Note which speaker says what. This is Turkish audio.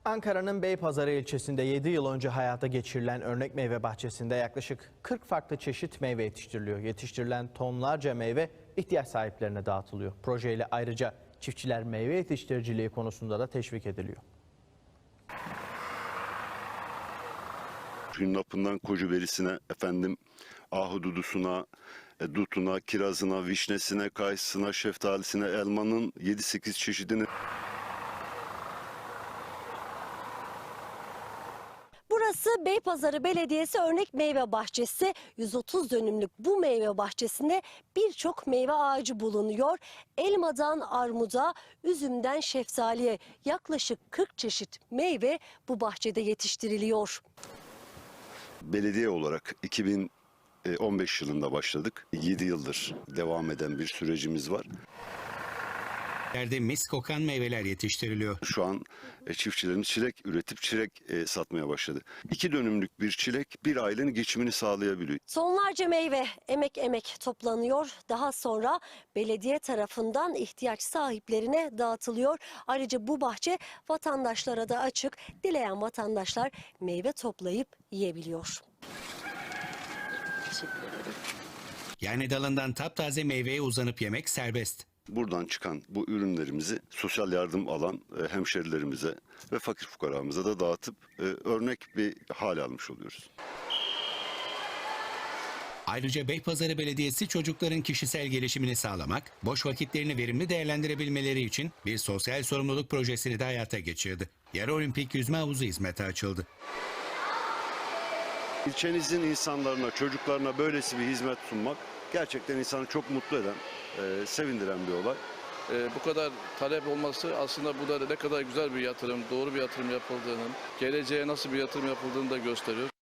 Speaker 1: Ankara'nın Beypazarı ilçesinde 7 yıl önce hayata geçirilen örnek meyve bahçesinde yaklaşık 40 farklı çeşit meyve yetiştiriliyor. Yetiştirilen tonlarca meyve ihtiyaç sahiplerine dağıtılıyor. Projeyle ayrıca çiftçiler meyve yetiştiriciliği konusunda da teşvik ediliyor.
Speaker 2: Hünnapından kocuberisine, ahududusuna, dutuna, kirazına, vişnesine, kayısına, şeftalisine, elmanın 7-8 çeşidini.
Speaker 3: Burası Beypazarı Belediyesi Örnek Meyve Bahçesi. 130 dönümlük bu meyve bahçesinde birçok meyve ağacı bulunuyor. Elmadan armuda, üzümden şeftaliye yaklaşık 40 çeşit meyve bu bahçede yetiştiriliyor.
Speaker 2: Belediye olarak 2015 yılında başladık. 7 yıldır devam eden bir sürecimiz var.
Speaker 4: Yerde mis kokan meyveler yetiştiriliyor.
Speaker 2: Şu an çiftçilerimiz çilek üretip çilek satmaya başladı. 2 dönümlük bir çilek bir ailenin geçimini sağlayabiliyor.
Speaker 3: Tonlarca meyve emek toplanıyor. Daha sonra belediye tarafından ihtiyaç sahiplerine dağıtılıyor. Ayrıca bu bahçe vatandaşlara da açık. Dileyen vatandaşlar meyve toplayıp yiyebiliyor. Teşekkür ederim.
Speaker 4: Yani dalından taptaze meyveye uzanıp yemek serbest.
Speaker 2: Buradan çıkan bu ürünlerimizi sosyal yardım alan hemşerilerimize ve fakir fukaramıza da dağıtıp örnek bir hal almış oluyoruz.
Speaker 4: Ayrıca Beypazarı Belediyesi çocukların kişisel gelişimini sağlamak, boş vakitlerini verimli değerlendirebilmeleri için bir sosyal sorumluluk projesini de hayata geçirdi. Yarı olimpik yüzme havuzu hizmete açıldı.
Speaker 2: İlçenizin insanlarına, çocuklarına böylesi bir hizmet sunmak gerçekten insanı çok mutlu eden, sevindiren bir olay.
Speaker 5: Bu kadar talep olması aslında bu da ne kadar güzel bir yatırım, doğru bir yatırım yapıldığının, geleceğe nasıl bir yatırım yapıldığını da gösteriyor.